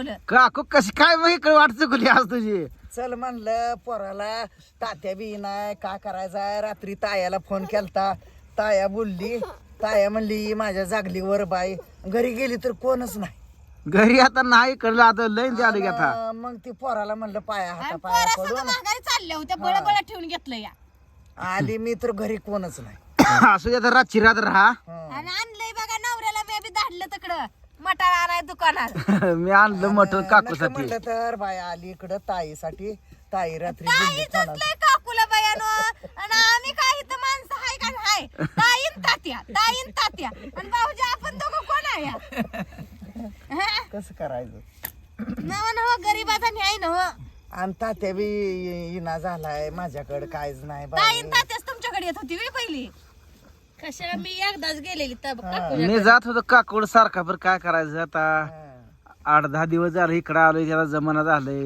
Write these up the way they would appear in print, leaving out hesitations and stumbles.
बोलावलं. काकू कशी काय मग इकडे वाट चुकली आज तुझी. चल म्हणलं पोराला तात्या बी नाही का करायचा. रात्री तायाला फोन केलता. ताया बोलली. ताया म्हणली माझ्या जागलीवर बाई. घरी गेली तर कोणच नाही. घरी आता नाही कळलं आता लय आलं की आता. मग ती पोराला म्हणलं पाया हाता आणि पाया पोरं सगळं पडून माघारी चालल्या होत्या. बळबळ ठेवून घेतलं या. आली मी तर घरी कोणच नाही. असू दे आता रातची रात राहा. आणि आणलंय बघा नवऱ्याला मी बी धाडलं तिकडं मटार आणाय दुकानात. मी आणलं मटण नको काकूसाठी. म्हणलं तर बाई आली इकडं ताईसाठी. ताई रात्री ताई बोलली कोणाला. चुकलंय काकूला बयानो. आणि आम्ही काय इथं माणसं हाय का नाही. ताईन तात्या आणि भाऊजी आपण दोघं कोण आहे या? कसं करायचं. नव नव गरीबाचा न्याय नव. आणि तात्या बी इना झालाय माझ्याकडे काहीच नाही बाई. ताईन तात्याच तुमच्याकडे येत होती वे पहिली. कशाला मी एकदाच गेलेली तर मी जात होतो काकूड सारखा पर काय करायचं आता. 8-10 दिवस झाले इकडं आलोय त्याला जमाना झालंय.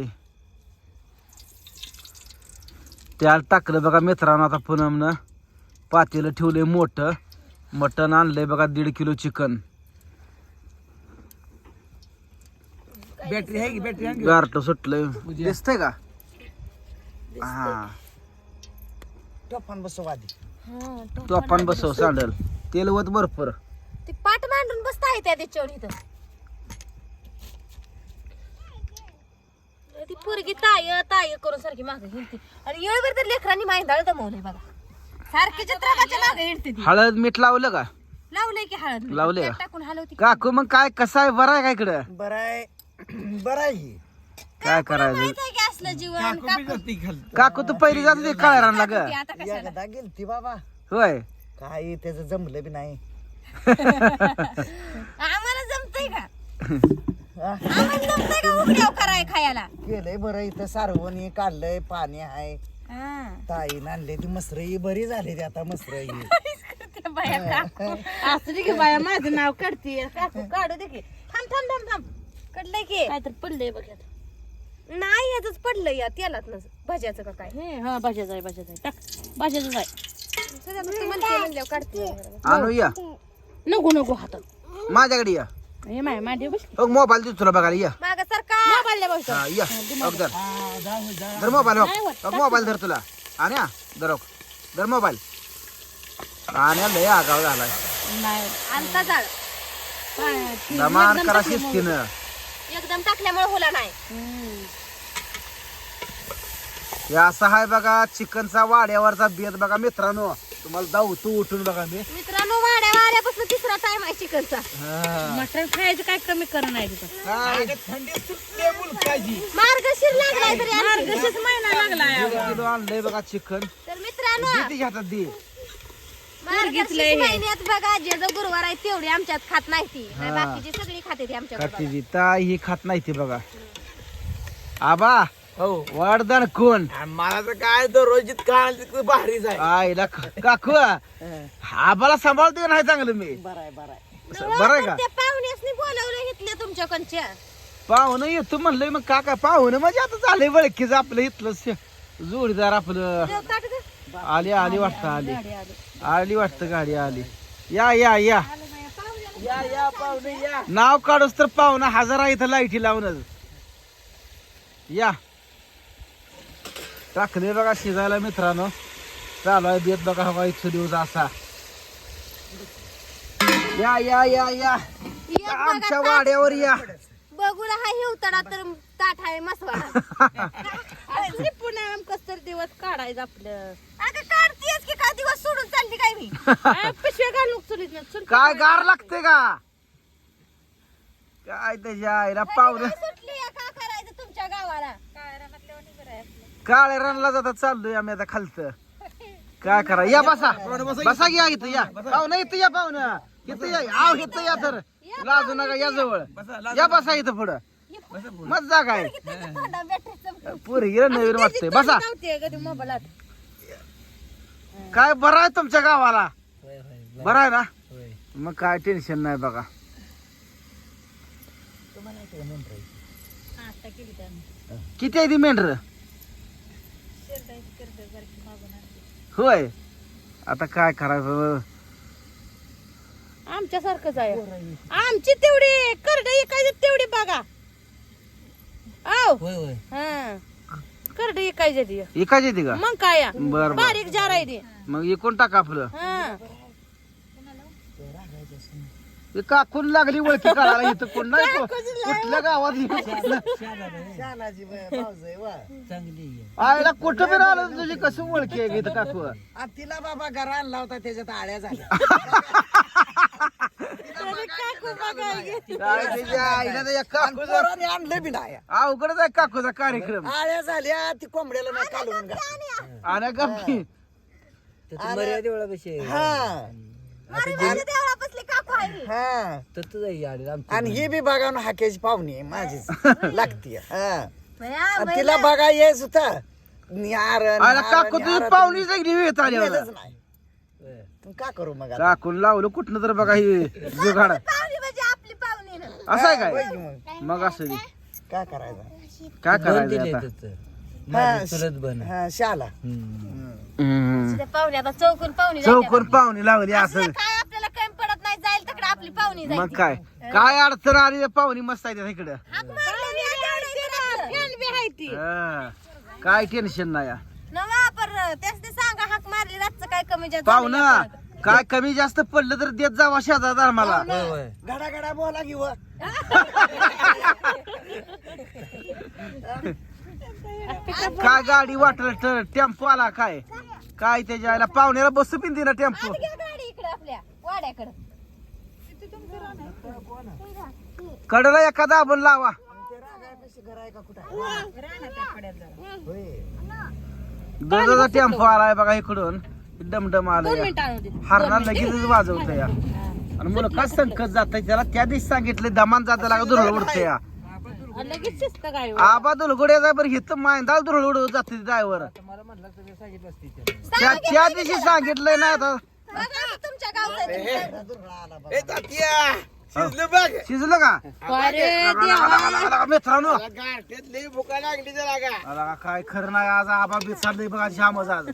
त्याला टाकलं बघा मित्रांनो आता पूनमनं. पातेलं ठेवलंय मोठं. मटण आणलंय बघा 1.5 किलो चिकन. बॅटरी आहे की बॅटरी गारट सुटलंय दिसतंय का. हा टोफान बसव आधी. तू आपण बसव सांडल तेलवत बरोबर. ती पाठ मांडून बसता आहे त्या त्याच्यावर इथं. ती पोरगी ताय करून सारखी मागे हिंडते. आणि येळभर तर लेकरांनी माहिंदाळ दमवलंय बघा. सारखी चित्राच्या मागे हिंडते ती. हळद मीठ लावलं का. लावलंय की हळद लावलंय तेल का? टाकून हलवती. काकू मग काय कसं आहे बरं आहे का इकडं. बरं आहे. बरं आहे. काय करायचं. माहित आहे की असलं जीवन काकू तू पहिली जात होती काळ्या रानला ग. आता कशाला. एकदा गेलती बाबा. होय काही त्याचं जमलं बी नाही. आम्हाला जमतंय का. आम्हाला जमतंय का उघड्याव कराय खायला. केलंय बरं इथं सारवणी काढलंय पाणी आहे. हा. ताईन आणले ती मसर ही बरी झाली ती आता मसर ही. त्या बाया काकू. असू दे की बाया माझं नाव काढते. काकू काढू दे की. थांब कडलंय की काय तर पडलंय बघ. नाही याच पडलंय या तेलात भाज्याचं का काय. हा भाज्याच आहे टाक भाज्याच आहे. म्हणल्यावर काढते. आणू या नको हातात माझ्याकडे या. हे माझे बस बघ मोबाईल देतो तुला बघायला या. माग सरका. हा, या बघ धर मोबाईल बघ मोबाईल धर तुला. आणि धर मोबाईल. आणि लय आगाव झालाय. नाही आणता जाळ दमान करा शिस्तीनं. एकदम टाकल्यामुळे होला नाही. हे असं आहे बघा चिकनचा वाड्यावरचा बेत बघा मित्रांनो. तुम्हाला जाऊ तू उठून बघा मी. मित्रांनो वाड्या आल्यापासून तिसरा टाइम आहे चिकनचा. मटण खायचं काय कमी करणं नाही तिथं. मार्गशीर लागलाय तरी आणखी. मार्गशीर्ष महिना लागलाय. 1 किलो आणलंय बघा चिकन. तर मित्रांनो दे ती हातात दे. मार्गशीर्ष महिन्यात बघा जे जो गुरुवार आहे तेवढी आमच्यात खात नाही ती. नाही बाकीची सगळी खाते ती आमच्याकडे. खातीची ताई ही खात नाही ती बघा. आबा वरदान कोण. मला तर काय दररोज काय भारीच आहे. आईला काकू आबाला सांभाळतो का नाही चांगलं मी. बरं आहे बरं आहे का. त्या पाहुण्यासनी बोलावलं घेतलं तुमच्याकडच्या. पाहुणं येतो म्हणलंय मग काका पाहुणं म्हणजे आता झालंय वळखीच आपलं इथलं जोडीदार आपलं. ताट दे. आली वाटतं आली वाटतं गाडी आली. या या या या पाहुणे या. नाव काढूस तर पाहुणं हजार आहे इथं लाईटी लावूनच. या टाकले बघा शिजायला मित्रांनो. चालू आहे बेत बघा हवा इथं दिवस असा. या या या या एक बघा आमच्या वाड्यावर या. बघूला हा हिवतडा तर ताट आहे मसवाडा. पुन्हा कस तर दिवस काढायचं आपलं. अगं काढतेस की काय दिवस सोडून चालली काय मी. पिशव्या घालून चुलीत काय गार लागते का काय त्याच्या आईला पाहुणं. सुटली या का करायचं तुमच्या गावाला. काळ्या रनला जाता चाललोय आम्ही आता खालतं. काय करा या बसा घ्या इथं या पाहुणं इथं या पाहुणं इथं या आव इथं या तर लाजू नका या जवळ या बसा इथं पुढं मग जागा आहे. पुरी गेलं नवीन वाटतंय बसा. मोबाईलात काय बरं आहे तुमच्या गावाला. बरं आहे ना मग काय टेन्शन नाही बघा. किती आहे ती मेंढर. होय आता काय करायचं. आमच्या सारखंच आहे. आमची तेवढी करड काय तेवढी बघा. आव होय होय हा करड इकायची ती एकाच येते का मग काय या? बर बर बारीक जार आहे ती मग एकूण टाका आपलं हा ते काकून लागली ओळखी काढायला इथं कोण नाही कुठल्या गावात शानाजी भाऊज आहे वा आईला कुठं बी आलं तुझी कसं ओळखी आहे इथं काकू आ, तिला बाबा घरा आणला होता त्याच्यात आळ्या झाल्या काय त्याच्या आईला तर या काकूचा पोराने आणलं बी नाही अवघडच आहे काकूचा कार्यक्रम आळ्या झाल्या ती कोंबड्याला नाही कालवून घातली. आणि गप्पी हा हा आणि ही बी बघा ना हाक्याची पाहुणी आहे माझीच लागती तिला बघा येस होता आला काकू तुझी पाहुणी जाईल वेळ आल्यावर नाही का करू मग आता? काकून लावलं कुठनं तर बघा ही जुगाड आपली पाहुणी ना असं आहे होय काय की मग मग असं बी. काय करायचं काय करायचं आता हा शाला हम्म. पाहुणे आता चौकून पाहुणी चौकोन पाहुणी लावली असं काय आपल्याला काही पडत नाही जाईल तिकडे आपली पाहुणी जाईल मग काय काय अडचण आली तर पाहुणी मस्त आहे इकडं हा. काय टेन्शन नाही या. नवा पर त्याच ते सांगा हाक मारली रातचं काय कमी जास्त पाहुणा काय कमी जास्त पडलं तर देत जावा शेजार मला घडा घडा बोला की व काय गाडी वाटलं टेम्पो आला काय काय त्याच्या आईला पाहुण्याला बसू पिंदी ना टेम्पो गाडी इकडे आपल्या वाड्याकडे कडला एखादा आपण लावा दुधाचा टेम्पो आलाय बघा इकडून डमडम आलाय हरणा लगेच वाजवत या आणि मुलं काय संकट जात त्याला त्या दिवशी सांगितले दमान जाता लागा दुरळ उडते या लगेच शिस्त काय आबा दुलगुड्या जाय बरं हिथं मायंदा दुरळ उडवत जाते ड्रायव्हर त्या दिवशी सांगितलंय ना आता तुमच्या गावचं शिजलं का मित्रांनो आला काय खरं नाही आज आबा बिचारलंय बघा श्यामच आज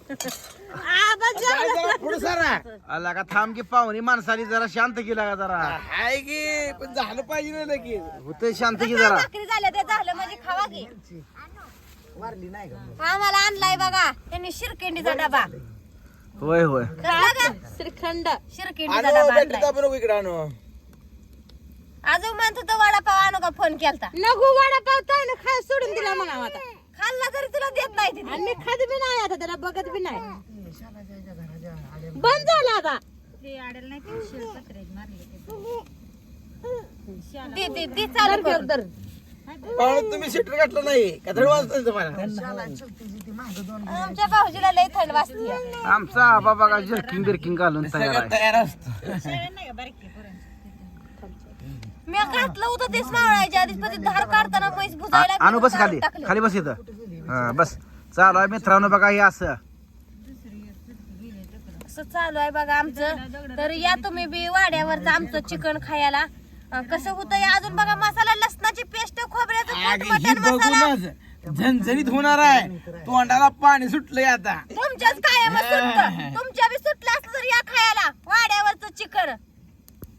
आला का थांब की पाहुणी माणसाली जरा शांत केला का जरा आहे की पण झालं पाहिजे ना लगेच होतंय शांत की जरा भाकरी झाल्या ते झालं म्हणजे खावा की वारली नाही का आम्हाला आणलाय बघा त्यांनी शिरकेंडीचा डबा होय होय श्रीखंड शिरकेंडीचा डबा आणलाय बरोबर इकडे आणू अजून म्हणत होतं वडापाव आणू का फोन केलता नको वडापाव ताई ना खाय सोडून दिला म्हणा आता खाल्ला तरी तुला देत नाही तिथे आणि मी खात बी नाही आता त्याला बघत बी नाही बंद झाला आता ते चालू कर तुम्ही सिटर घातलं नाही का थोडं वाजत तुम्हाला आमच्या भाऊजीला लय थंड वाजते आमचा आबा बघा जर्किंग बिर्किंग घालून तयार आहे तयार असतो मी घातलं होतं तेच मावळायच्या आधीच पण ते धार काढताना म्हैस बुजायला आणू बस खाली खाली बस इथं हा बस चालू आहे मित्रांनो बघा हे असं असं चालू आहे बघा आमचं तर या तुम्ही बी वाड्यावरचं आमचं चिकन खायला कसं होतं अजून बघा मसाला लसणाची पेस्ट खोबऱ्याचं मटण मसाला झणझणीत होणार आहे तोंडाला पाणी सुटलंय आता तुमच्याच कायम सुटतं तुमच्या बी सुटलं असलं तर या खायला वाड्यावरचं चिकन